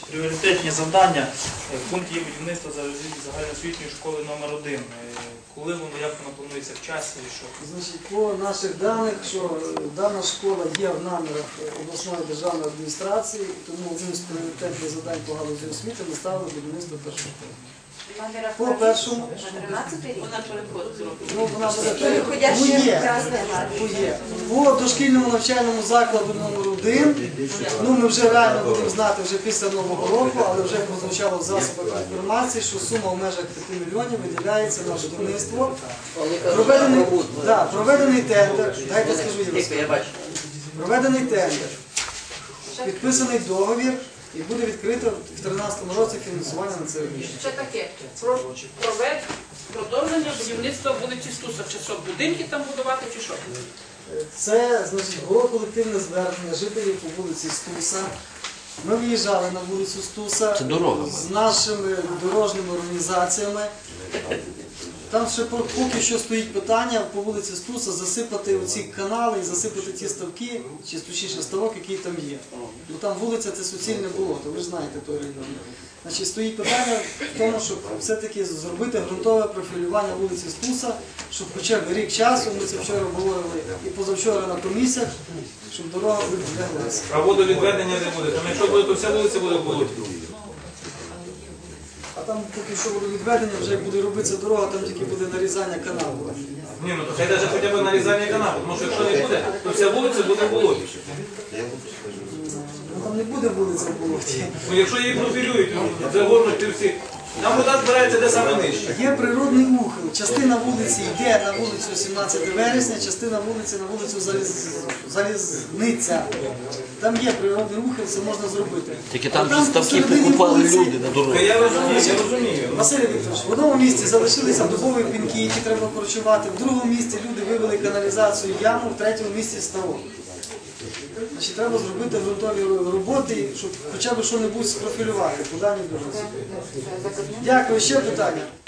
Пріоритетні завдання в пункті будівництва загальноосвітньої школи номер 1. Коли воно, як воно планується в часі і що? Значить, по наших даних, що дана школа є в намірах обласної державної адміністрації, тому одним з пріоритетних завдань по галузі освіти ми ставили будівництво першої школи. По першому, ну, вона буде по дошкільному навчальному закладу номер 1, ну ми вже реально будемо знати вже після Нового року, але вже прозвучало в засобах інформації, що сума в межах 5 мільйонів виділяється на будівництво. Проведений тендер, дайте скажу я. Проведений тендер, підписаний договір. І буде відкрито в 2013 році фінансування на це робіт. Ще таке, продовження будівництва вулиці Стуса. Чи що, будинки там будувати, чи що? Це, значить, було колективне звернення жителів по вулиці Стуса. Ми виїжджали на вулицю Стуса з нашими дорожніми організаціями. Там ще поки що стоїть питання по вулиці Стуса засипати оці канали і засипати ті ставки, чи точніше ставок, який там є. Бо там вулиця – це суцільне болото, ви ж знаєте той район. Значить, стоїть питання в тому, щоб все-таки зробити ґрунтове профілювання вулиці Стуса, щоб хоча б рік часу, ми це вчора говорили і позавчора на комісіях, щоб дорога відбеглася. А водовідведення не буде? Там якщо буде, то вся вулиця буде в болоті. А там поки що водовідведення, вже як буде робитися дорога, там тільки буде нарізання каналу. Ні, ну то хай навіть хоча б нарізання каналу, тому що якщо не буде, то вся вулиця буде в болоті. Там не буде вулиця в болоті. Ну якщо її профілюють, загорнуть і всі, там вода збирається де саме нижче. Є природний ухил. Частина вулиці йде на вулицю 17 вересня, частина вулиці на вулицю Залізниця. Там є природний ухил, це можна зробити. Тільки там ставки покупали люди на дорогу. Я розумію. Василь Вікторович, в одному місці залишилися дубові пінки, які треба корчувати, в другому місці люди вивели каналізацію яму, в третьому місці ставок. Значить, треба зробити ґрунтові роботи, щоб хоча б що-небудь спрофілювати по даній дорозі. Дякую. Ще питання?